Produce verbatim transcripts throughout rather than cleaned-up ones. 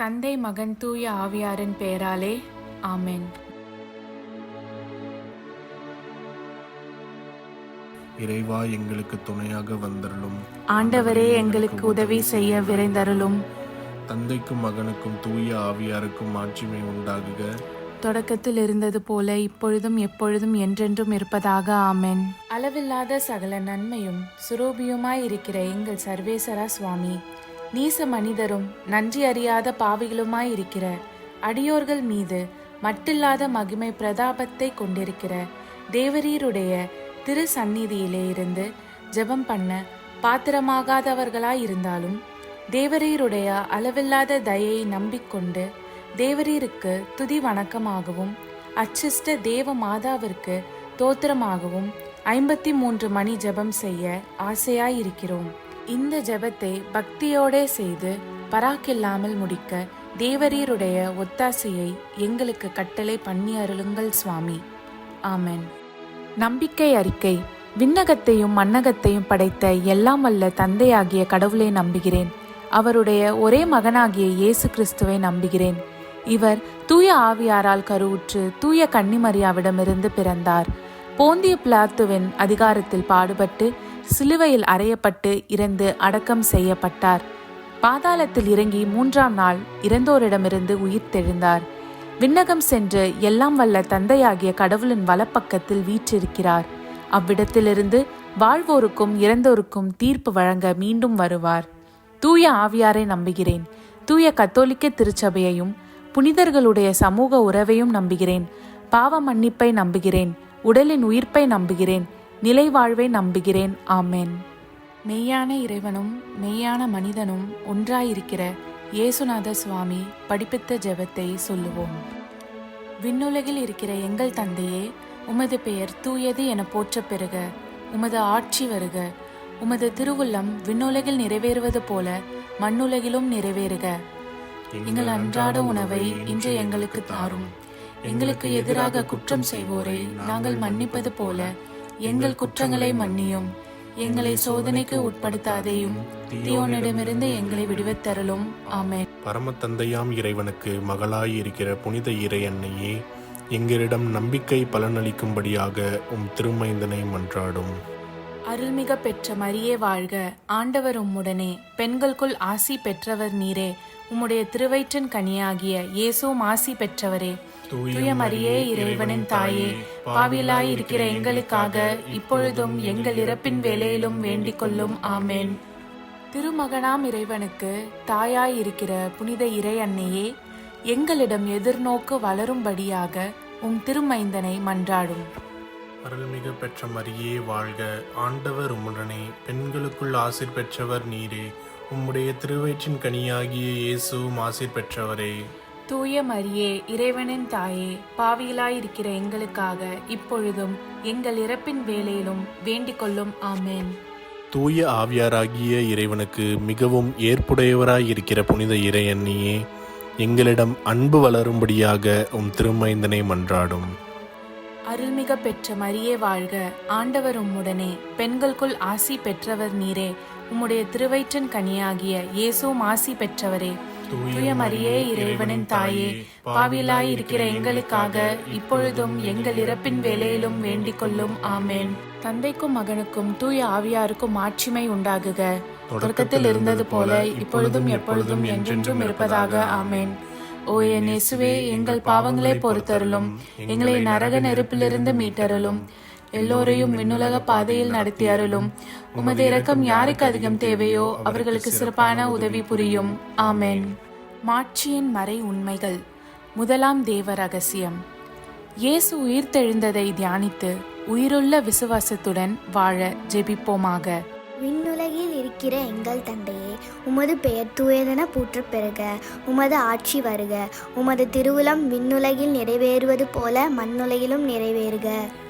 தந்தை, மகன், தூய ஆவியாரின் பெயராலே ஆமென். இறைவா, எங்களுக்கு துணையாக வந்தருளும். ஆண்டவரே, எங்களுக்கு உதவி செய்ய விரைந்தருளும். தந்தைக்கும் மகனுக்கும் தூய ஆவியாருக்கும் ஆட்சிமை உண்டாகுக. தொடக்கத்தில் இருந்தது போல இப்பொழுதும் எப்பொழுதும் என்றென்றும் இருப்பதாக ஆமென். அளவில்லாத சகல நன்மையும் சுரூபியுமாய் இருக்கிற எங்கள் சர்வேசரா சுவாமி, நீச மனிதரும் நன்றி அறியாத பாவிகளுமாய் இருக்கிற அடியோர்கள் மீது மட்டில்லாத மகிமை பிரதாபத்தை கொண்டிருக்கிற தேவரீருடைய திரு சந்நிதியிலே இருந்து ஜெபம் பண்ண பாத்திரமாகாதவர்களாய் இருந்தாலும் தேவரீருடைய அளவில்லாத தயையை நம்பிக்கொண்டு தேவரீருக்கு துதி வணக்கமாகவும் அச்சிஷ்ட தேவ மாதாவிற்கு தோத்திரமாகவும் ஐம்பத்தி மூன்று மணி ஜெபம் செய்ய ஆசையாயிருக்கிறோம். இந்த ஜெபத்தை பக்தியோடே செய்து பராக்கில்லாமல் முடிக்க தேவரீருடைய ஒத்தாசையை எங்களுக்கு கட்டளை பண்ணி அருளுங்கள் சுவாமி. ஆமென். நம்பிக்கை அறிக்கை. விண்ணகத்தையும் மண்ணகத்தையும் படைத்த எல்லாம் வல்ல தந்தையாகிய கடவுளை நம்புகிறேன். அவருடைய ஒரே மகனாகிய இயேசு கிறிஸ்துவை நம்புகிறேன். இவர் தூய ஆவியாரால் கருவுற்று தூய கன்னிமரியாவிடமிருந்து பிறந்தார். போந்திய பிலாத்துவின் அதிகாரத்தில் பாடுபட்டு சிலுவையில் அறையப்பட்டு இறந்து அடக்கம் செய்யப்பட்டார். பாதாளத்தில் இறங்கி மூன்றாம் நாள் இறந்தோரிடமிருந்து உயிர் தெழுந்தார். விண்ணகம் சென்று எல்லாம் வல்ல தந்தையாகிய கடவுளின் வலப்பக்கத்தில் வீற்றிருக்கிறார். அவ்விடத்திலிருந்து வாழ்வோருக்கும் இறந்தோருக்கும் தீர்ப்பு வழங்க மீண்டும் வருவார். தூய ஆவியாரை நம்புகிறேன். தூய கத்தோலிக்க திருச்சபையையும் புனிதர்களுடைய சமூக உறவையும் நம்புகிறேன். பாவ மன்னிப்பை நம்புகிறேன். உடலின் உயிர்ப்பை நம்புகிறேன். நிலை வாழ்வை நம்புகிறேன். ஆமென். மெய்யான இறைவனும் மெய்யான மனிதனும் ஒன்றாயிருக்கிற இயேசுநாத சுவாமி படிப்பித்த ஜெபத்தை சொல்லுவோம். விண்ணுலகில் இருக்கிற எங்கள் தந்தையே, உமது பெயர் தூயது என போற்ற பெறுக. உமது ஆட்சி வருக. உமது திருவுள்ளம் விண்ணுலகில் நிறைவேறுவது போல மண்ணுலகிலும் நிறைவேறுக. எங்கள் அன்றாட உணவை இன்று எங்களுக்கு தாரும். எங்களுக்கு எதிராக குற்றம் செய்வோரை நாங்கள் மன்னிப்பது போல எங்கள் குற்றங்களை மன்னியும். எங்களை சோதனைக்கு உட்படுத்தாதேயும், தீயோனிடமிருந்து எங்களை விடுவித்தருளும். ஆமென். பரம தந்தையாம் இறைவனுக்கு மகளாய் இருக்கிற புனித இறை அன்னையே, எங்களிடம் நம்பிக்கை பலனளிக்கும்படியாக உம் திருமைந்தனை மன்றாடும். அருள்மிக பெற்ற மரியே வாழ்க. ஆண்டவர் உம்முடனே, பெண்களுக்குள் ஆசி பெற்றவர் நீரே. உம்முடைய திருவயிற்றின் கனியாகிய இயேசுவும் ஆசி பெற்றவரே. தூய மரியே, இறைவனின் தாயே, பாவிலாய் இருக்கிற எங்களுக்காக இப்பொழுதும் எங்கள் இறப்பின் வேளையிலும் வேண்டிக் கொள்ளும். ஆமென். திருமகனாம் இறைவனுக்கு தாயாய் இருக்கிற புனித இறை அன்னையே, எங்களிடம் எதிர்நோக்கு வளரும்படியாக உம் திருமைந்தனை மன்றாடும். அருள்மிகு பெற்ற மரியே வாழ்க. ஆண்டவர் உம்முடனே, பெண்களுக்குள் ஆசீர் பெற்றவர் நீரே. உம்முடைய திருவயிற்றின் கனியாகிய இயேசுவும் ஆசீர் பெற்றவரே. தூய மரியே, இறைவனின் தாயே, பாவியலாயிருக்கிற எங்களுக்காக இப்பொழுதும் எங்கள் இறப்பின் வேளையிலும் வேண்டிக் கொள்ளும். ஆமென். தூய ஆவியாராகிய இறைவனுக்கு மிகவும் ஏற்புடையவராயிருக்கிற புனித இறை அன்னியே, எங்களிடம் அன்பு வளரும்படியாக உம் திருமைந்தனை மன்றாடும். அருள்மிக பெற்ற மரியே வாழ்க. ஆண்டவர் உம்முடனே, பெண்களுக்குள் ஆசி பெற்றவர் நீரே. உம்முடைய திருவயிற்றின் கனியாகிய இயேசுவும் ஆசி பெற்றவரே. தூய மரியே, இறைவனின் தாயே, பாவியலாய் இருக்கிற எங்களுக்காக இப்பொழுதும் எங்கள் இறப்பின் வேளையிலும் வேண்டிக் கொள்ளும். ஆமென். தந்தைக்கும் மகனுக்கும் தூய ஆவியாருக்கும் ஆட்சிமை உண்டாகுக. தொடக்கத்தில் இருந்தது போல இப்பொழுதும் எப்பொழுதும் என்றென்றும் இருப்பதாக. ஆமென். ஓ என் இயேசுவே, எங்கள் பாவங்களை பொறுத்தருளும். எங்களை நரக நெருப்பிலிருந்து மீட்டருளும். எல்லோரையும் விண்ணுலக பாதையில் நடத்தி அருளும். உமது இரக்கம் யாருக்கு அதிகம் தேவையோ அவர்களுக்கு சிறப்பான உதவி புரியும். ஆமென். மாட்சியின் மறை உண்மைகள். முதலாம் தேவ ரகசியம். இயேசு உயிர்த்தெழுந்ததை தியானித்து உயிருள்ள விசுவாசத்துடன் வாழ ஜெபிப்போமாக. விண்ணுலகில் இருக்கிற எங்கள் தந்தையே, உமது பெயர் தூயதென போற்றப் பெறுக. உமது ஆட்சி வருக. உமது திருவுளம் விண்ணுலகில் நிறைவேறுவது போல மண்ணுலகிலும் நிறைவேறுக.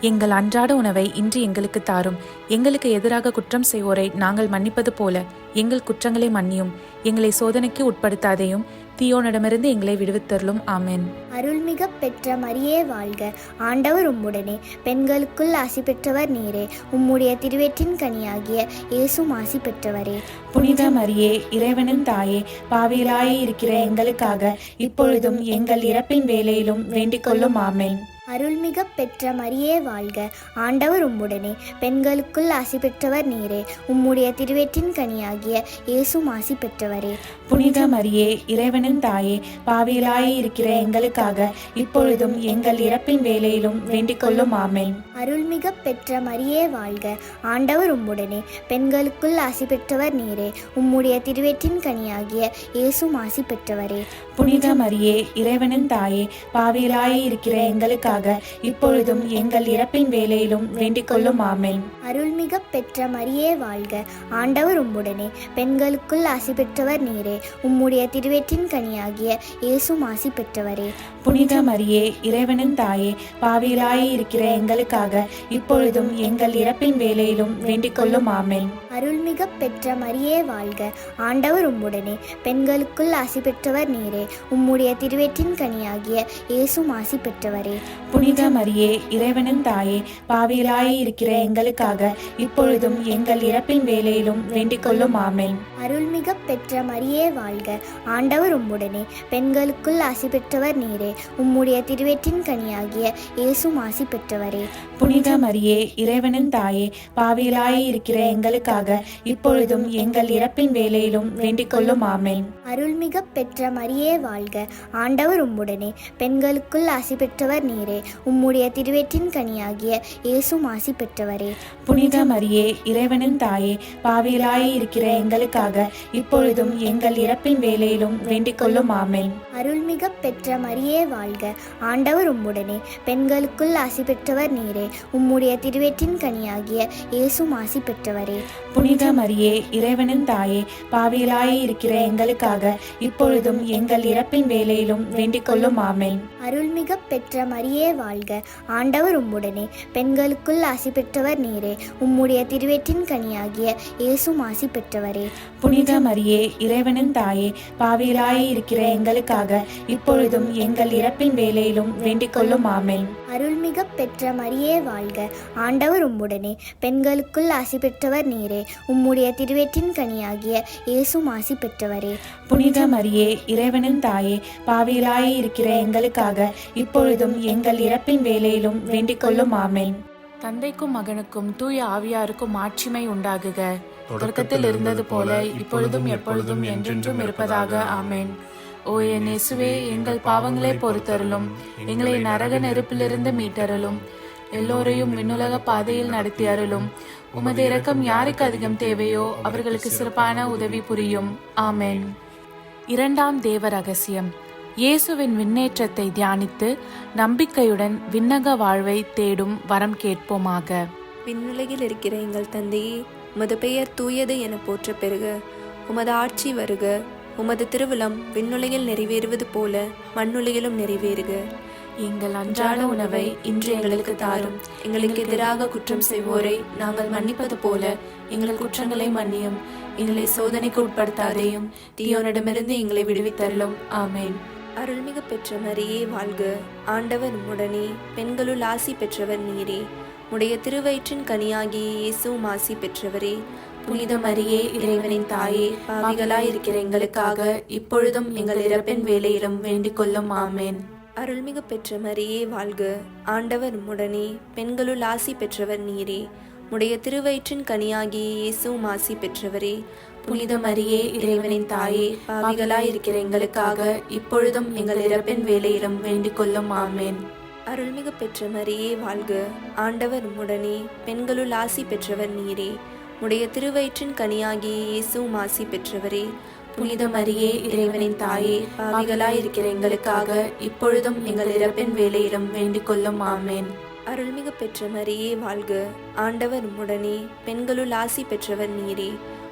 எங்கள் அன்றாட உணவை இன்று எங்களுக்கு தாரும். எங்களுக்கு எதிராக குற்றம் செய்வோரை நாங்கள் மன்னிப்பது போல எங்கள் குற்றங்களை மன்னியும். எங்களை சோதனைக்கு உட்படுத்தாதேயும், தீயோனிடமிருந்து எங்களை விடுவித்தருளும். ஆமென். அருள்மிக பெற்ற மரியே வாழ்க, ஆண்டவர் உம்முடனே, பெண்களுக்குள் ஆசி பெற்றவர் நீரே. உம்முடைய திருவேற்றின் கனியாகிய இயேசும் ஆசி பெற்றவரே. புனித மரியே, இறைவனின் தாயே, பாவிகளாய் இருக்கிற எங்களுக்காக இப்பொழுதும் எங்கள் இறப்பின் வேளையிலும் வேண்டிக் கொள்ளும். ஆமென். அருள்மிக பெற்ற மரியே வாழ்க, ஆண்டவர் உம்முடனே, பெண்களுக்குள் ஆசி பெற்றவர் நீரே. உம்முடைய திருவேற்றின் கனியாகிய இயேசும் ஆசி பெற்றவரே. புனித மரியே, இறைவனின் தாயே, பாவிகளாய் இருக்கிற எங்களுக்காக இப்பொழுதும் எங்கள் இறப்பின் வேளையிலும் வேண்டிக் கொள்ளும். ஆமென். அருள்மிக பெற்ற மரியே வாழ்க, ஆண்டவர் உம்முடனே, பெண்களுக்குள் ஆசி பெற்றவர் நீரே. உம்முடைய திருவேற்றின் கனியாகிய இயேசும் ஆசி பெற்றவரே. புனித மரியே, இறைவனின் தாயே, பாவிகளாய் இருக்கிற எங்களுக்காக இப்பொழுதும் எங்கள் இறப்பின் வேளையிலும் வேண்டிக் கொள்ளும். ஆமென். அருள்மிக பெற்ற மரியே வாழ்க, ஆண்டவர் உம்முடனே, பெண்களுக்குள் ஆசி பெற்றவர் நீரே. உம்முடைய திருவேற்றின் கனியாகிய இயேசும் ஆசி பெற்றவரே. புனித மரியே, இறைவனின் தாயே, பாவிகளாய் இருக்கிற எங்களுக்காக இப்பொழுதும் எங்கள் இறப்பின் வேளையிலும் வேண்டிக் கொள்ளும். ஆமென். அருள்மிக பெற்ற மரியே வாழ்க, ஆண்டவர் உம்முடனே, பெண்களுக்குள் ஆசி பெற்றவர் நீரே. உம்முடைய திருவேற்றின் கனியாகிய இயேசும் ஆசி பெற்றவரே. புனித மரியே, இறைவனின் தாயே, பாவிகளாய் இருக்கிற எங்களுக்காக இப்பொழுதும் எங்கள் இறப்பின் வேளையிலும் வேண்டிக் கொள்ளும். ஆமென். அருள்மிக பெற்ற மரியே வாழ்க, ஆண்டவர் உம்முடனே, பெண்களுக்குள் ஆசி பெற்றவர் நீரே. உம்முடைய திருவேற்றின் கனியாகிய இயேசும் ஆசி பெற்றவரே. புனித மரியே, இறைவனின் தாயே, பாவிகளாய் இருக்கிற எங்களுக்காக இப்பொழுதும் எங்கள் இறப்பின் வேளையிலும் வேண்டிக் கொள்ளும். ஆமென். அருள்மிக பெற்ற மரியே வாழ்க, ஆண்டவர் உம்முடனே, பெண்களுக்குள் ஆசி பெற்றவர் நீரே. உம்முடைய திருவேற்றின் கனியாகிய இயேசும் ஆசி பெற்றவரே. புனித மரியே, இறைவனின் தாயே, பாவிகளாய் இருக்கிற எங்களுக்காக இப்பொழுதும் எங்கள் இறப்பின் வேளையிலும் வேண்டிக் கொள்ளும். ஆமென். அருள்மிக பெற்ற மரியே வாழ்க, ஆண்டவர் உம்முடனே, பெண்களுக்குள் ஆசி பெற்றவர் நீரே. உம்முடைய திருவேற்றின் கனியாகிய இயேசும் ஆசி பெற்றவரே. புனித மரியே, இறைவனின் தாயே, பாவிகளாய் இருக்கிற எங்களுக்காக இப்பொழுதும் எங்கள் இறப்பின் வேளையிலும் வேண்டிக் கொள்ளும். ஆமென். அருள்மிக பெற்ற மரியே வாழ்க, ஆண்டவர் உம்முடனே, பெண்களுக்குள் ஆசி பெற்றவர் நீரே. உம்முடைய திருவேற்றின் கனியாகிய இயேசும் ஆசி பெற்றவரே. புனித மரியே, இறைவனின் தாயே, பாவிகளாய் இருக்கிற எங்களுக்காக இப்பொழுதும் எங்கள் இறப்பின் வேளையிலும் வேண்டிக் கொள்ளும். ஆமென். அருள்மிக பெற்ற மரியே வாழ்க, ஆண்டவர் உம்முடனே, பெண்களுக்குள் ஆசி பெற்றவர் நீரே. உம்முடைய திருவேற்றின் கனியாகிய இயேசும் ஆசி பெற்றவரே. புனித மரியே, இறைவனின் தாயே, பாவிகளாய் இருக்கிற எங்களுக்காக இப்பொழுதும் எங்கள் இறப்பின் வேளையிலும் வேண்டிக் கொள்ளும். ஆமென். தந்தைக்கும் மகனுக்கும் தூய ஆவியாருக்கும் ஆட்சிமை உண்டாகுக. தொடக்கத்தில் இருந்தது போல இப்பொழுதும் எப்பொழுதும் என்றென்றும் இருப்பதாக. ஆமென். ஓ என் இயேசுவே, எங்கள் பாவங்களை பொறுத்தருளும், எங்களை நரக நெருப்பிலிருந்து மீட்டருளும், எல்லோரையும் விண்ணுலக பாதையில் நடத்தி அருளும். உமது இரக்கம் யாருக்கு அதிகம் தேவையோ அவர்களுக்கு சிறப்பான உதவி புரியும். ஆமென். இரண்டாம் தேவ ரகசியம். இயேசுவின் விண்ணேற்றத்தை தியானித்து நம்பிக்கையுடன் விண்ணக வாழ்வை தேடும் வரம் கேட்போமாக. விண்ணுலகில் இருக்கிற எங்கள் தந்தையே, உமது பெயர் தூயது என போற்ற பெறுக. உமது ஆட்சி வருக. உமது திருவிழம் விண்ணுலகில் நிறைவேறுவது போல மண்ணுலகிலும் நிறைவேறுக. எங்கள் அன்றாட உணவை இன்று எங்களுக்கு தாரும். எங்களுக்கு எதிராக குற்றம் செய்வோரை நாங்கள் மன்னிப்பது போல எங்கள் குற்றங்களை மன்னியும். எங்களை சோதனைக்கு உட்படுத்தாதேயும், தீயோனிடமிருந்து எங்களை விடுவித்தருளும். ஆமென். அருள்மிகு பெற்ற மரியே வாழ்க, ஆண்டவர் உம்முடனே, பெண்களுள் ஆசி பெற்றவர் நீரே. உடைய திருவயிற்றின் கனியாகிய இயேசுவும் ஆசி பெற்றவரே. புனித மரியே, இறைவனின் தாயே, பாவிகளாய் இருக்கிற எங்களுக்காக இப்பொழுதும் எங்கள் இறப்பின் வேளையிலும் வேண்டிக் கொள்ளும். ஆமென். அருள்மிகு பெற்ற மரியே வாழ்க, ஆண்டவர் உம்முடனே, பெண்களுள் ஆசி பெற்றவர் நீரே. உடைய திருவயிற்றின் கனியாகிய இயேசுவும் ஆசி பெற்றவரே. புனித மரியே, இறைவனின் தாயே, பாவிகளாய் இருக்கிற எங்களுக்காக இப்பொழுதும் எங்கள் இறப்பின் வேளையிலும் வேண்டிக் கொள்ளும். ஆமென். அருள்மிகு பெற்ற மரியே வாழ்க, ஆண்டவர் உம்முடனே, பெண்களுள் ஆசி பெற்றவர் நீரே. உடைய திருவயிற்றின் கனியாகிய இயேசுவும் ஆசி பெற்றவரே. புனித மரியே, இறைவனின் தாயே, பாவிகளாய் இருக்கிற எங்களுக்காக இப்பொழுதும் எங்கள் இறப்பின் வேளையிலும் வேண்டிக் கொள்ளும். ஆமென். அருள்மிகு பெற்ற மரியே வாழ்க, ஆண்டவர் உம்முடனே, பெண்களுள் ஆசி பெற்றவர் நீரே.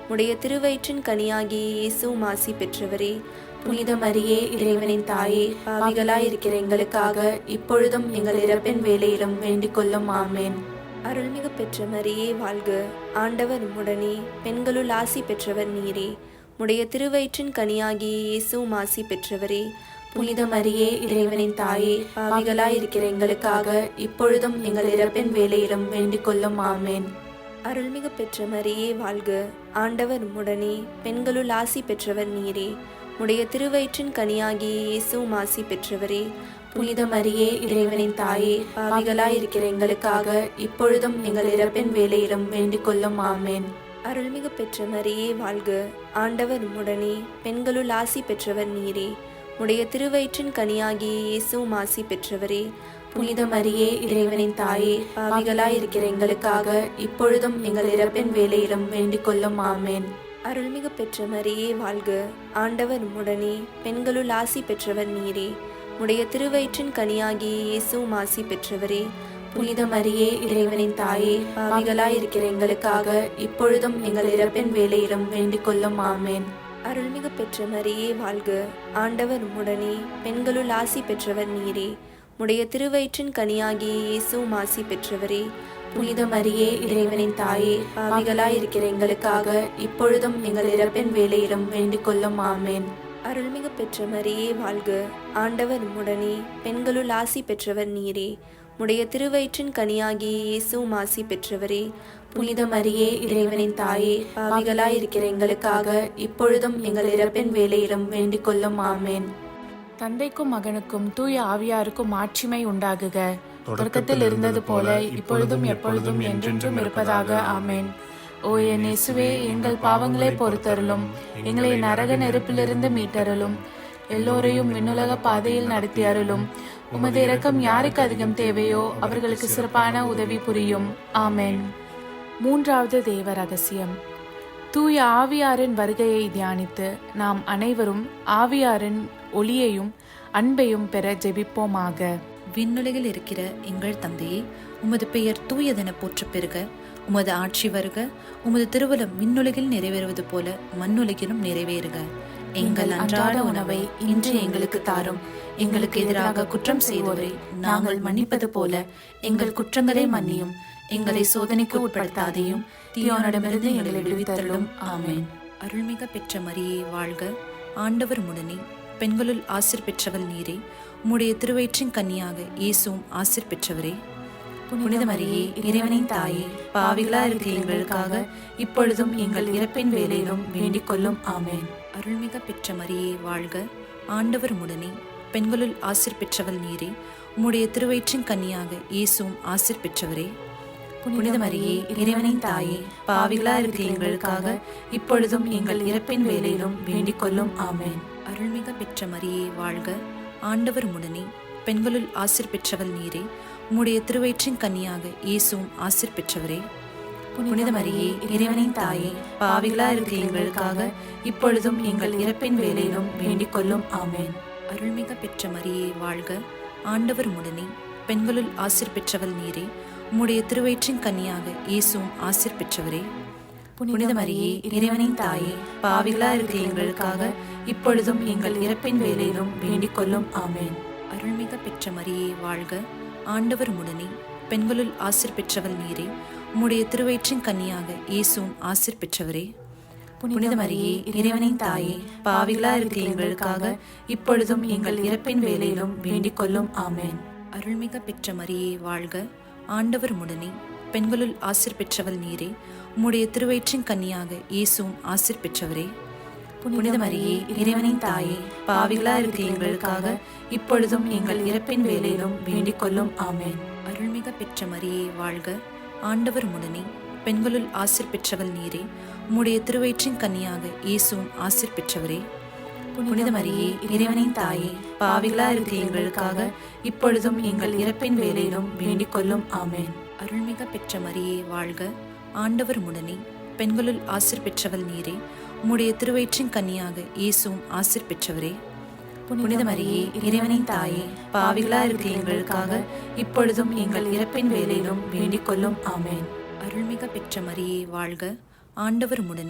உடைய திருவயிற்றின் கனியாகிய இயேசுவும் ஆசி பெற்றவரே. புனித மரியே, இறைவனின் தாயே, பாவிகளாயிருக்கிற எங்களுக்காக இப்பொழுதும் எங்கள் இறப்பின் வேளையிலும் வேண்டிக் கொள்ளும். ஆமேன். அருள்மிகு பெற்ற மரியே வாழ்க. ஆண்டவர் உம்முடனே, பெண்களுள் ஆசி பெற்றவர் நீரே. உடைய திருவயிற்றின் கனியாகிய இயேசுவும் ஆசி பெற்றவரே. புனித மரியே, இறைவனின் தாயே, பாவிகளாயிருக்கிற எங்களுக்காக இப்பொழுதும் எங்கள் இறப்பின் வேளையிலும் வேண்டிக் கொள்ளும். ஆமேன். அருள்மிகு பெற்ற மரியே வாழ்க. ஆண்டவர் உம்முடனே, பெண்களுள் ஆசி பெற்றவர் நீரே. உடைய திருவயிற்றின் கனியாகிய இயேசுவும் ஆசி பெற்றவரே. புனித மரியே, இறைவனின் தாயே, பாவிகளாயிருக்கிற எங்களுக்காக இப்பொழுதும் எங்கள் இறப்பின் வேளையிலும் வேண்டிக் கொள்ளும். ஆமேன். அருள்மிகு பெற்ற மரியே வாழ்க. ஆண்டவர் உம்முடனே, பெண்களுள் ஆசி பெற்றவர் நீரே. உடைய திருவயிற்றின் கனியாகிய இயேசுவும் ஆசி பெற்றவரே. புனித மரியே, இறைவனின் தாயே, பாவிகளாயிருக்கிற எங்களுக்காக இப்பொழுதும் எங்கள் இறப்பின் வேளையிலும் வேண்டிக் கொள்ளும். ஆமேன். அருள்மிகு பெற்ற மரியே வாழ்க. ஆண்டவர் உம்முடனே, பெண்களுள் ஆசி பெற்றவர் நீரே. உடைய திருவயிற்றின் கனியாகிய இயேசுவும் ஆசி பெற்றவரே. புனித மரியே, இறைவனின் தாயே, பாவிகளாயிருக்கிற எங்களுக்காக இப்பொழுதும் எங்கள் இறப்பின் வேளையிலும் வேண்டிக் கொள்ளும். ஆமேன். அருள்மிகு பெற்ற மரியே வாழ்க. ஆண்டவர் உம்முடனே, பெண்களுள் ஆசி பெற்றவர் நீரே. உடைய திருவயிற்றின் கனியாகிய இயேசுவும் ஆசி பெற்றவரே. புனித மரியே, இறைவனின் தாயே, பாவிகளாயிருக்கிற எங்களுக்காக இப்பொழுதும் எங்கள் இறப்பின் வேளையிலும் வேண்டிக் கொள்ளும். ஆமேன். அருள்மிகு பெற்ற மரியே வாழ்க. ஆண்டவர் உம்முடனே, பெண்களுள் ஆசி பெற்றவர் நீரே. உடைய திருவயிற்றின் கனியாகிய இயேசுவும் ஆசி பெற்றவரே. புனித மரியே, இறைவனின் தாயே, பாவிகளாயிருக்கிற எங்களுக்காக இப்பொழுதும் எங்கள் இறப்பின் வேளையிலும் வேண்டிக் கொள்ளும். ஆமேன். தந்தைக்கும் மகனுக்கும் தூய ஆவியாருக்கும் மாட்சிமை உண்டாகுக. தொடக்கத்தில் இருந்தது போல இப்பொழுதும் எப்பொழுதும் என்றென்றும் இருப்பதாக. ஆமேன். ஓ என் இயேசுவே, எங்கள் பாவங்களை பொறுத்தருளும், எங்களை நரக நெருப்பிலிருந்து மீட்டருளும், எல்லோரையும் விண்ணுலக பாதையில் நடத்தி அருளும். உமது இரக்கம் யாருக்கு அதிகம் தேவையோ அவர்களுக்கு சிறப்பான உதவி புரியும். ஆமேன். மூன்றாவது தேவ ரகசியம். தூய ஆவியாரின் வருகையை தியானித்து நாம் அனைவரும் ஆவியாரின் ஒளியையும் அன்பையும் பெற ஜெபிப்போமாக. விண்ணுலகில் இருக்கிற எங்கள் தந்தையே, உமது பெயர் தூயதென போற்ற பெறுக. உமது ஆட்சி வருக. உமது திருவுளம் விண்ணுலகில் நிறைவேறுவது போல மண்ணுலகிலும் நிறைவேறுக. எங்கள் அன்றாட உணவை இன்று எங்களுக்கு தாரும். எங்களுக்கு எதிராக குற்றம் செய்வோரை நாங்கள் மன்னிப்பது போல எங்கள் குற்றங்களை மன்னியும். எங்களை சோதனைக்கு உட்படுத்தாதையும் தீயோனிடமிருந்து எங்களை விடுவித்தருளும். ஆமேன். அருள்மிக பெற்ற மரியே வாழ்க. ஆண்டவர் உம்முடனே, பெண்களுள் ஆசீர் பெற்றவள் நீரே. உம்முடைய திருவயிற்றின் கன்னியாக இயேசுவும் ஆசீர் பெற்றவரே. புனித மரியே, இறைவனின் தாயே, பாவிகளா இருக்கிற எங்களுக்காக இப்பொழுதும் எங்கள் இறப்பின் வேளையிலும் வேண்டிக் கொள்ளும். ஆமேன். அருள்மிக பெற்ற மரியே வாழ்க. ஆண்டவர் உம்முடனே, பெண்களுள் ஆசீர் பெற்றவள் நீரே. உம்முடைய திருவயிற்றின் கன்னியாக இயேசுவும் ஆசீர் பெற்றவரே. புனித மரியே, இறைவனின் தாயே, பாவிகளா இருக்கிற எங்களுக்காக இப்பொழுதும் எங்கள் இறப்பின் வேளையிலும் வேண்டிக் கொள்ளும். ஆமேன். அருள்மிக பெற்ற மரியே வாழ்க. ஆண்டவர் உம்முடனே, பெண்களுள் ஆசீர் பெற்றவள் நீரே. உம்முடைய திருவயிற்றின் கன்னியாக இயேசுவும் ஆசீர் பெற்றவரே. புனித மரியே, இறைவனின் தாயே, பாவிகளா இருக்கிற எங்களுக்காக இப்பொழுதும் எங்கள் இறப்பின் வேளையிலும் வேண்டிக் கொள்ளும். ஆமேன். அருள்மிக பெற்ற மரியே வாழ்க. ஆண்டவர் உம்முடனே, பெண்களுள் ஆசீர் பெற்றவள் நீரே. உம்முடைய திருவயிற்றின் கன்னியாக இயேசுவும் ஆசீர் பெற்றவரே. புனித மரியே, இறைவனின் தாயே, பாவிகளா இருக்கிற எங்களுக்காக இப்பொழுதும் எங்கள் இறப்பின் வேளையிலும் வேண்டிக் கொள்ளும். ஆமேன். அருள்மிக பெற்ற மரியே வாழ்க. ஆண்டவர் உம்முடனே, பெண்களுள் ஆசீர் பெற்றவள் நீரே. உம்முடைய திருவயிற்றின் கன்னியாக இயேசுவும் ஆசீர் பெற்றவரே. புனித மரியே, இறைவனின் தாயே, பாவிகளா இருக்கிற எங்களுக்காக இப்பொழுதும் எங்கள் இறப்பின் வேளையிலும் வேண்டிக் கொள்ளும். ஆமேன். அருள்மிக பெற்ற மரியே வாழ்க. ஆண்டவர் உம்முடனே, பெண்களுள் ஆசீர் பெற்றவள் நீரே. உம்முடைய திருவயிற்றின் கன்னியாக இயேசுவும் ஆசீர் பெற்றவரே. புனித மரியே, இறைவனின் தாயே, பாவிகளா இருக்கிற எங்களுக்காக இப்பொழுதும் எங்கள் இறப்பின் வேளையிலும் வேண்டிக் கொள்ளும். ஆமேன். அருள்மிக பெற்ற மரியே வாழ்க. ஆண்டவர் உம்முடனே, பெண்களுள் ஆசீர் பெற்றவள் நீரே. உம்முடைய திருவயிற்றின் கன்னியாக இயேசுவும் ஆசீர் பெற்றவரே. புனித மரியே, இறைவனின் தாயே, பாவிகளா இருக்கிற எங்களுக்காக இப்பொழுதும் எங்கள் இறப்பின் வேளையிலும் வேண்டிக் கொள்ளும். ஆமேன். அருள்மிக பெற்ற மரியே வாழ்க. ஆண்டவர் உம்முடனே, பெண்களுள் ஆசீர் பெற்றவள் நீரே. உம்முடைய திருவயிற்றின் கன்னியாக இயேசுவும் ஆசீர் பெற்றவரே. புனித மரியே, இறைவனின் தாயே, பாவிகளா இருக்கிற எங்களுக்காக இப்பொழுதும் எங்கள் இறப்பின் வேளையிலும் வேண்டிக் கொள்ளும். ஆமேன். அருள்மிக பெற்ற மரியே வாழ்க. ஆண்டவர் உம்முடனே,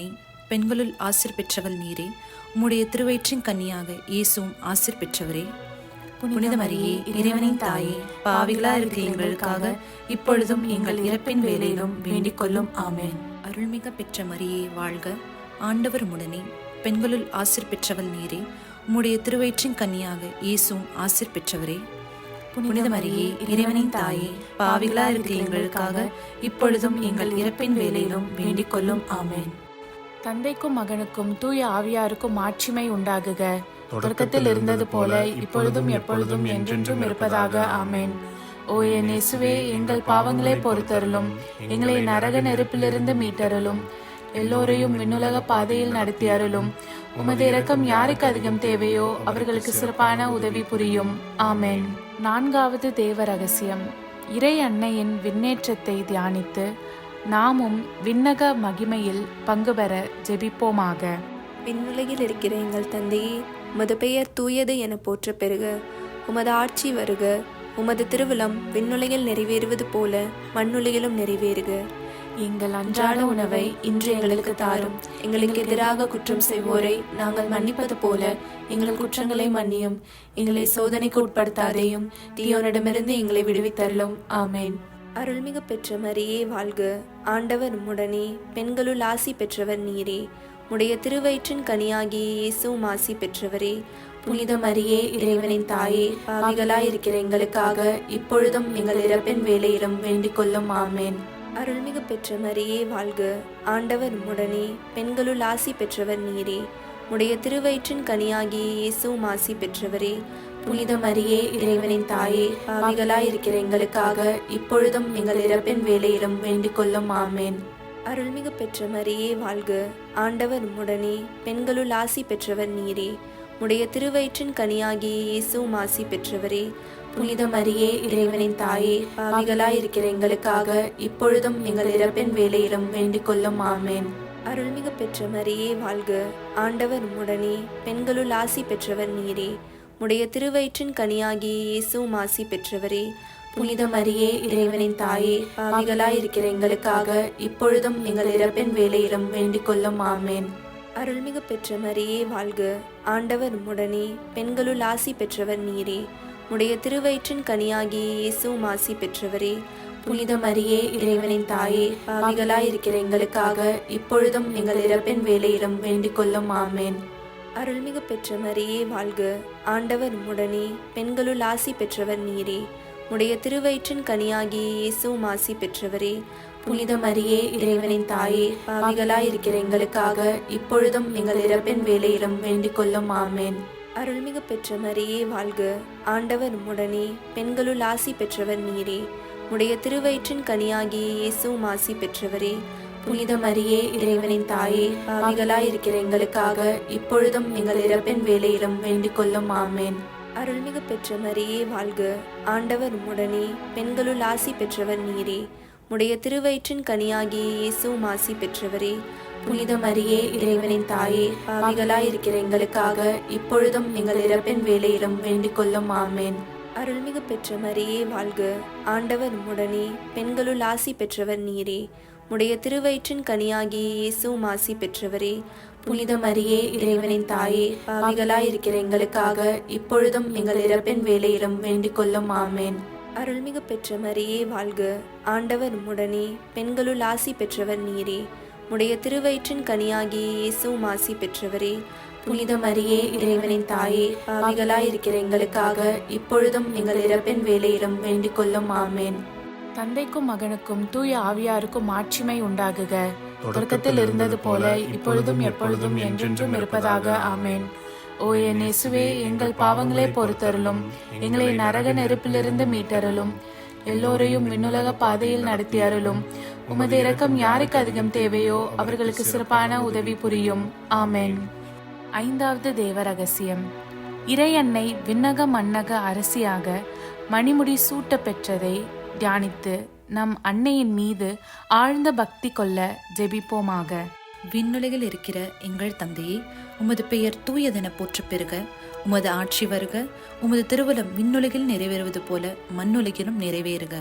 பெண்களுள் ஆசிர் பெற்றவள் நீரே. உம்முடைய திருவயிற்றின் கன்னியாக இயேசுவும் ஆசிர் பெற்றவரே. புனித மரியே, இறைவனின் தாயே, பாவிகளா இருக்கிற எங்களுக்காக இப்பொழுதும் எங்கள் இறப்பின் வேளையிலும் வேண்டிக் கொள்ளும். ஆமென். அருள்மிக பெற்ற மரியே வாழ்க. ஆண்டவர் உம்முடனே. பெண்களுள் ஆசிர் பெற்றவள் நீரே. உம்முடைய திருவயிற்றின் கன்னியாக இயேசுவும் ஆசிர் பெற்றவரே. புனித மரியே, இறைவனின் தாயே, பாவிகளா இருக்கிற எங்களுக்காக இப்பொழுதும் எங்கள் இறப்பின் வேளையிலும் வேண்டிக் கொள்ளும். ஆமென். தந்தைக்கும் மகனுக்கும் தூய ஆவியாருக்கும் மாட்சிமை உண்டாகுக. தொடக்கத்தில் இருந்தது போல இப்பொழுதும் எப்பொழுதும் என்றென்றும் இருப்பதாக. ஆமென். ஓ என் இயேசுவே, எங்கள் பாவங்களை பொறுத்தருளும், எங்களை நரக நெருப்பிலிருந்து மீட்டருளும், எல்லோரையும் விண்ணுலக பாதையில் நடத்தி அருளும். உமது இரக்கம் யாருக்கு அதிகம் தேவையோ அவர்களுக்கு சிறப்பான உதவி புரியும். ஆமென். நான்காவது தேவ ரகசியம். இறை அன்னையின் விண்ணேற்றத்தை தியானித்து நாமும் விண்ணக மகிமையில் பங்கு பெற ஜெபிப்போமாக. விண்ணுலகில் இருக்கிற எங்கள் தந்தையே, உமது பெயர் தூயது என போற்ற பெறுக. உமது ஆட்சி வருக. உமது திருவிழம் விண்ணுலகில் நிறைவேறுவது போல மண்ணுலகிலும் நிறைவேறுக. எங்கள் அன்றாட உணவை இன்று எங்களுக்கு தாரும். எங்களுக்கு எதிராக குற்றம் செய்வோரை நாங்கள் மன்னிப்பது போல எங்கள் குற்றங்களை மன்னியும். எங்களை சோதனைக்கு உட்படுத்தாதேயும், தீயோனிடமிருந்து எங்களை விடுவித்தருளும். ஆமென். அருள்மிகு பெற்ற மரியே வாழ்க. ஆண்டவர் உம்முடனே. பெண்களுள் ஆசி பெற்றவர் நீரே. உடைய திருவயிற்றின் கனியாகிய இயேசுவும் ஆசி பெற்றவரே. புனித மரியே, இறைவனின் தாயே, பாவிகளாய் இருக்கிற எங்களுக்காக இப்பொழுதும் எங்கள் இறப்பின் வேளையிலும் வேண்டிக் கொள்ளும். ஆமென். அருள்மிகு பெற்ற மரியே வாழ்க. ஆண்டவர் உம்முடனே. பெண்களுள் ஆசி பெற்றவர் நீரே. உடைய திருவயிற்றின் கனியாகிய இயேசுவும் ஆசி பெற்றவரே. புனித மரியே, இறைவனின் தாயே, பாவிகளாய் இருக்கிற எங்களுக்காக இப்பொழுதும் எங்கள் இறப்பின் வேளையிலும் வேண்டிக் கொள்ளும். ஆமென். அருள்மிகு பெற்ற மரியே வாழ்க. ஆண்டவர் உம்முடனே. பெண்களுள் ஆசி பெற்றவர் நீரே. உடைய திருவயிற்றின் கனியாகிய இயேசுவும் ஆசி பெற்றவரே. புனித மரியே, இறைவனின் தாயே, பாவிகளாய் இருக்கிற எங்களுக்காக இப்பொழுதும் எங்கள் இறப்பின் வேளையிலும் வேண்டிக் கொள்ளும். ஆமென். அருள்மிகு பெற்ற மரியே வாழ்க. ஆண்டவர் உம்முடனே. பெண்களுள் ஆசி பெற்றவர் நீரே. உடைய திருவயிற்றின் கனியாகிய இயேசுவும் ஆசி பெற்றவரே. புனித மரியே, இறைவனின் தாயே, பாவிகளாய் இருக்கிற எங்களுக்காக இப்பொழுதும் எங்கள் இறப்பின் வேளையிலும் வேண்டிக் கொள்ளும். ஆமென். அருள்மிகு பெற்ற மரியே வாழ்க. ஆண்டவர் உம்முடனே. பெண்களுள் ஆசி பெற்றவர் நீரே. உடைய திருவயிற்றின் கனியாகிய இயேசுவும் ஆசி பெற்றவரே. புனித மரியே, இறைவனின் தாயே, பாவிகளாய் இருக்கிற எங்களுக்காக இப்பொழுதும் எங்கள் இறப்பின் வேளையிலும் வேண்டிக் கொள்ளும். ஆமென். அருள்மிகு பெற்ற மரியே வாழ்க. ஆண்டவர் உம்முடனே. பெண்களுள் ஆசி பெற்றவர் நீரே. உடைய திருவயிற்றின் கனியாகிய இயேசுவும் ஆசி பெற்றவரே. புனித மரியே, இறைவனின் தாயே, பாவிகளாய் இருக்கிற எங்களுக்காக இப்பொழுதும் எங்கள் இறப்பின் வேளையிலும் வேண்டிக் கொள்ளும். ஆமென். அருள்மிகு பெற்ற மரியே வாழ்க. ஆண்டவர் உம்முடனே. பெண்களுள் ஆசி பெற்றவர் நீரே. உடைய திருவயிற்றின் கனியாகிய இயேசுவும் ஆசி பெற்றவரே. புனித மரியே, இறைவனின் தாயே, பாவிகளாய் இருக்கிற எங்களுக்காக இப்பொழுதும் எங்கள் இறப்பின் வேளையிலும் வேண்டிக் கொள்ளும். ஆமென். அருள்மிகு பெற்ற மரியே வாழ்க. ஆண்டவர் உம்முடனே. பெண்களுள் ஆசி பெற்றவர் நீரே. உடைய திருவயிற்றின் கனியாகிய இயேசுவும் ஆசி பெற்றவரே. புனித மரியே, இறைவனின் தாயே, பாவிகளாய் இருக்கிற எங்களுக்காக இப்பொழுதும் எங்கள் இறப்பின் வேளையிலும் வேண்டிக் கொள்ளும். ஆமென். அருள்மிகு பெற்ற மரியே வாழ்க. ஆண்டவர் உம்முடனே. பெண்களுள் ஆசி பெற்றவர் நீரே. உடைய திருவயிற்றின் கனியாகிய இயேசுவும் ஆசி பெற்றவரே. புனித மரியே, இறைவனின் தாயே, பாவிகளாய் இருக்கிற எங்களுக்காக இப்பொழுதும் எங்கள் இறப்பின் வேளையிலும் வேண்டிக் கொள்ளும். ஆமென். அருள்மிகு பெற்ற மரியே வாழ்க. ஆண்டவர் உம்முடனே. பெண்களுள் ஆசி பெற்றவர் நீரே. உடைய திருவயிற்றின் கனியாகிய இயேசுவும் ஆசி பெற்றவரே. புனித மரியே, இறைவனின் தாயே, பாவிகளாய் இருக்கிற எங்களுக்காக இப்பொழுதும் எங்கள் இறப்பின் வேளையிலும் வேண்டிக் கொள்ளும். ஆமென். தந்தைக்கும் மகனுக்கும் தூய ஆவியாருக்கும் மாட்சிமை உண்டாகுக. தொடக்கத்தில் இருந்தது போல இப்பொழுதும் எப்பொழுதும் என்றென்றும் இருப்பதாக. ஆமென். ஓ என் இயேசுவே, எங்கள் பாவங்களை பொறுத்தருளும், எங்களை நரக நெருப்பிலிருந்து மீட்டருளும், எல்லோரையும் விண்ணுலக பாதையில் நடத்தி அருளும். உமது இரக்கம் யாருக்கு அதிகம் தேவையோ அவர்களுக்கு சிறப்பான உதவி புரியும். ஆமென். ஐந்தாவது தேவ ரகசியம். இறை அன்னை விண்ணக மன்னக அரசியாக மணிமுடி சூட்ட பெற்றதை தியானித்து நம் அன்னையின் மீது ஆழ்ந்த பக்தி கொள்ள ஜெபிப்போமாக. விண்ணுலகில் இருக்கிற எங்கள் தந்தையே, உமது பெயர் தூயதென போற்ற பெறுக. உமது ஆட்சி வருக. உமது திருவுளம் விண்ணுலகில் நிறைவேறுவது போல மண்ணுலகிலும் நிறைவேறுக.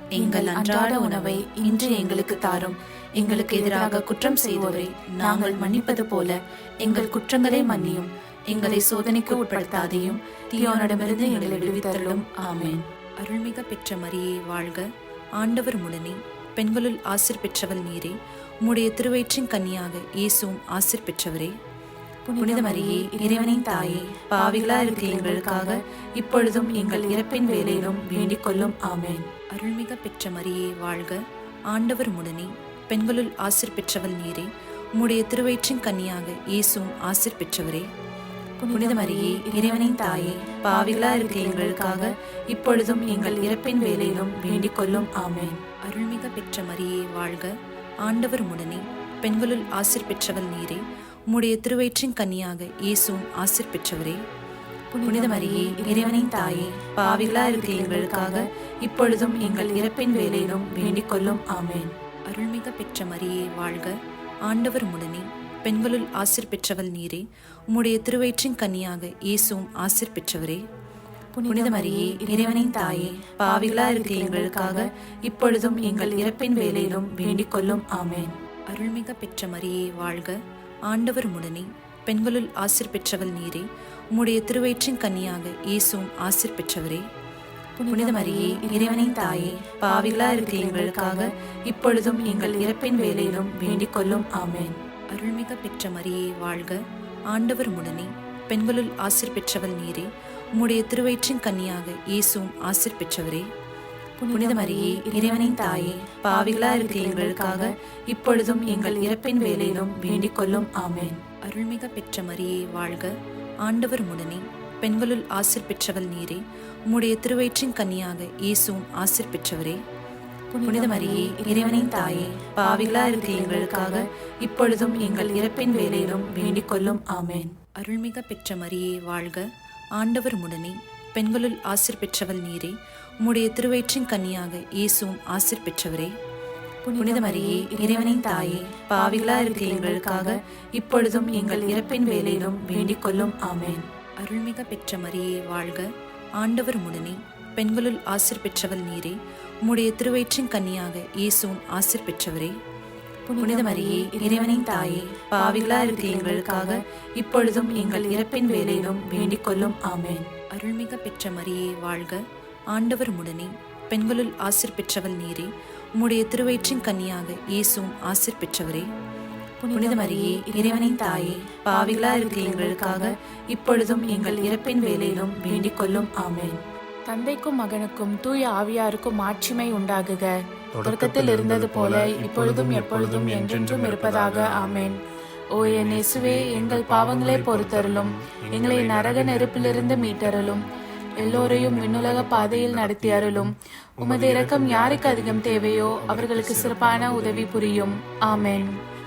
எங்கள் அன்றாட உணவை இன்று எங்களுக்கு தாரும். எங்களுக்கு எதிராக குற்றம் செய்வோரை நாங்கள் மன்னிப்பது போல எங்கள் குற்றங்களை மன்னியும். எங்களை சோதனைக்கு உட்படுத்தாதையும் தீயோனிடமிருந்து எங்களை விடுவித்தருளும். ஆமென். அருள்மிக பெற்ற மரியே வாழ்க, ஆண்டவர் முடனே, பெண்களுள் ஆசிர் பெற்றவள் நீரே. உம்முடைய திருவயிற்றின் கன்னியாக இயேசுவும் ஆசிர் பெற்றவரே. புனித மரியே, இறைவனின் தாயே, பாவிகளா இருக்கிற எங்களுக்காக இப்பொழுதும் எங்கள் இறப்பின் வேளையிலும் வேண்டிக் கொள்ளும். ஆமென். அருள்மிக பெற்ற மரியே வாழ்க, ஆண்டவர் முடனே, பெண்களுள் ஆசிர் பெற்றவள் நீரே. உம்முடைய திருவயிற்றின் கன்னியாக இயேசுவும் ஆசிர் பெற்றவரே. புனித மரியே, இறைவனின் தாயே, பாவிகளா இருக்கிற எங்களுக்காக இப்பொழுதும் எங்கள் இறப்பின் வேளையிலும் வேண்டிக் கொள்ளும். ஆமென். அருள்மிக பெற்ற மரியே வாழ்க, ஆண்டவர் முடனே, பெண்களுள் ஆசிர் பெற்றவள் நீரே. உம்முடைய திருவயிற்றின் கன்னியாக இயேசுவும் ஆசிர் பெற்றவரே. புனித மரியே, இறைவனின் தாயே, பாவிகளா இருக்கிற எங்களுக்காக இப்பொழுதும் எங்கள் இறப்பின் வேளையிலும் வேண்டிக் கொள்ளும். ஆமென். அருள்மிக பெற்ற மரியே வாழ்க, ஆண்டவர் முடனே, பெண்களுள் ஆசிர் பெற்றவள் நீரே. உம்முடைய திருவயிற்றின் கன்னியாக இயேசுவும் ஆசிர் பெற்றவரே. புனித மரியே, இறைவனின் தாயே, பாவிகளா இருக்கிற எங்களுக்காக இப்பொழுதும் எங்கள் இறப்பின் வேளையிலும் வேண்டிக் கொள்ளும். ஆமென். அருள்மிக பெற்ற மரியே வாழ்க, ஆண்டவர் முடனே, பெண்களுள் ஆசிர் பெற்றவள் நீரே. உம்முடைய திருவயிற்றின் கன்னியாக இயேசுவும் ஆசிர் பெற்றவரே. புனித மரியே, இறைவனின் தாயே, பாவிகளா இருக்கிற எங்களுக்காக இப்பொழுதும் எங்கள் இறப்பின் வேளையிலும் வேண்டிக் கொள்ளும். ஆமென். அருள்மிக பெற்ற மரியே வாழ்க, ஆண்டவர் முடனே, பெண்களுள் ஆசிர் பெற்றவள் நீரே. உம்முடைய திருவயிற்றின் கன்னியாக இயேசுவும் ஆசிர் பெற்றவரே. புனித மரியே, இறைவனின் தாயே, பாவிகளா இருக்கிற எங்களுக்காக இப்பொழுதும் எங்கள் இறப்பின் வேளையிலும் வேண்டிக் கொள்ளும். ஆமென். அருள்மிக பெற்ற மரியே வாழ்க, ஆண்டவர் முடனே, பெண்களுள் ஆசிர் பெற்றவள் நீரே. உம்முடைய திருவயிற்றின் கன்னியாக இயேசுவும் ஆசிர் பெற்றவரே. புனித மரியே, இறைவனின் தாயே, பாவிகளா இருக்கிற எங்களுக்காக இப்பொழுதும் எங்கள் இறப்பின் வேளையிலும் வேண்டிக் கொள்ளும். ஆமென். அருள்மிக பெற்ற மரியே வாழ்க, ஆண்டவர் முடனே, பெண்களுள் ஆசிர் பெற்றவள் நீரே. உம்முடைய திருவயிற்றின் கன்னியாக இயேசுவும் ஆசிர் பெற்றவரே. புனித மரியே, இறைவனின் தாயே, பாவிகளா இருக்கிற எங்களுக்காக இப்பொழுதும் எங்கள் இறப்பின் வேளையிலும் வேண்டிக் கொள்ளும். ஆமென். அருள்மிக பெற்ற மரியே வாழ்க, ஆண்டவர் முடனே, பெண்களுள் ஆசிர் பெற்றவள் நீரே. உம்முடைய திருவயிற்றின் கன்னியாக இயேசுவும் ஆசிர் பெற்றவரே. புனித மரியே, இறைவனின் தாயே, பாவிகளா இருக்கிற எங்களுக்காக இப்பொழுதும் எங்கள் இறப்பின் வேளையிலும் வேண்டிக் கொள்ளும். ஆமென். அருள்மிக பெற்ற மரியே வாழ்க, ஆண்டவர் முடனே, பெண்களுள் ஆசிர் பெற்றவள் நீரே. உம்முடைய திருவயிற்றின் கன்னியாக இயேசுவும் ஆசிர் பெற்றவரே. புனித மரியே, இறைவனின் தாயே, பாவிகளா இருக்கிற எங்களுக்காக இப்பொழுதும் எங்கள் இறப்பின் வேளையிலும் வேண்டிக் கொள்ளும். ஆமென். தந்தைக்கும் மகனுக்கும் தூய ஆவியாருக்கும் ஆட்சிமை உண்டாகுக. தொடக்கத்தில் இருந்தது போல இப்பொழுதும் எப்பொழுதும் என்றென்றும் இருப்பதாக. ஆமென். ஓ என் இயேசுவே, எங்கள் பாவங்களை பொறுத்தருளும், எங்களை நரக நெருப்பிலிருந்து மீட்டருளும், எல்லோரையும் விண்ணுலக பாதையில் நடத்தி அருளும். உமது இரக்கம் யாருக்கு அதிகம் தேவையோ அவர்களுக்கு சிறப்பான உதவி புரியும். ஆமென்.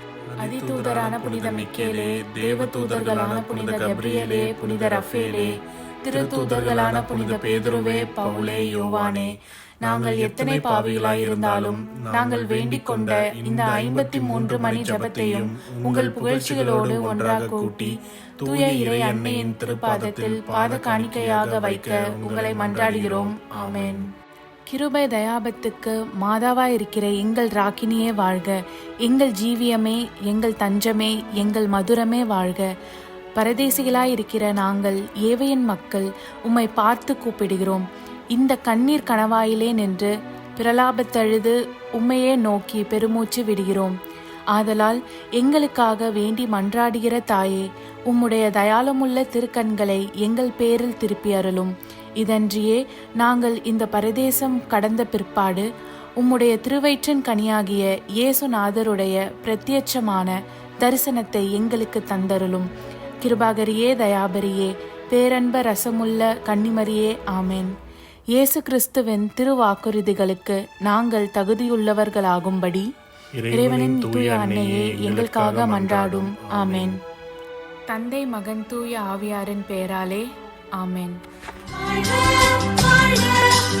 அதிதூதரான புனித மிக்கேலே, தேவ தூதர்களான புனித கப்ரியேலே, புனித ரஃபேலே, திரு தூதர்களான புனித பேதுருவே, பவுலே, யோவானே, நாங்கள் எத்தனை பாவிகளாய் இருந்தாலும் நாங்கள் வேண்டிக் கொண்ட இந்த ஐம்பத்தி மூன்று மணி ஜபத்தையும் உங்கள் புகழ்ச்சிகளோடு ஒன்றாக கூட்டி தூய இறை அன்னையின் திருப்பாதத்தில் பாத காணிக்கையாக வைக்க உங்களை மன்றாடுகிறோம். ஆமென். கிருபை தயாபத்துக்கு மாதாவாய் இருக்கிற எங்கள் ராக்கினியே வாழ்க. எங்கள் ஜீவியமே, எங்கள் தஞ்சமே, எங்கள் மதுரமே வாழ்க. பரதேசிகளாய் இருக்கிற நாங்கள் ஏவையின் மக்கள் உம்மை பார்த்து கூப்பிடுகிறோம். இந்த கண்ணீர் கணவாயிலே நின்று பிரலாபத்தழுது உம்மையே நோக்கி பெருமூச்சு விடுகிறோம். ஆதலால் எங்களுக்காக வேண்டி மன்றாடுகிற தாயே, உம்முடைய தயாளமுள்ள திருக்கண்களை எங்கள் பேரில் திருப்பி அருளும். இதன்றியே நாங்கள் இந்த பரதேசம் கடந்த பிற்பாடு உம்முடைய திருவயிற்றின் கனியாகிய இயேசுநாதருடைய பிரத்யட்சமான தரிசனத்தை எங்களுக்கு தந்தருளும். கிருபாகரியே, தயாபரியே, பேரன்ப ரசமுள்ள கன்னிமரியே, ஆமென். இயேசு கிறிஸ்துவின் திருவாக்குறுதிகளுக்கு நாங்கள் தகுதியுள்ளவர்களாகும்படி இறைவனின் தூய அன்னையே எங்களுக்காக மன்றாடும். ஆமென். தந்தை, மகன், தூய ஆவியாரின் பெயராலே. ஆமென்.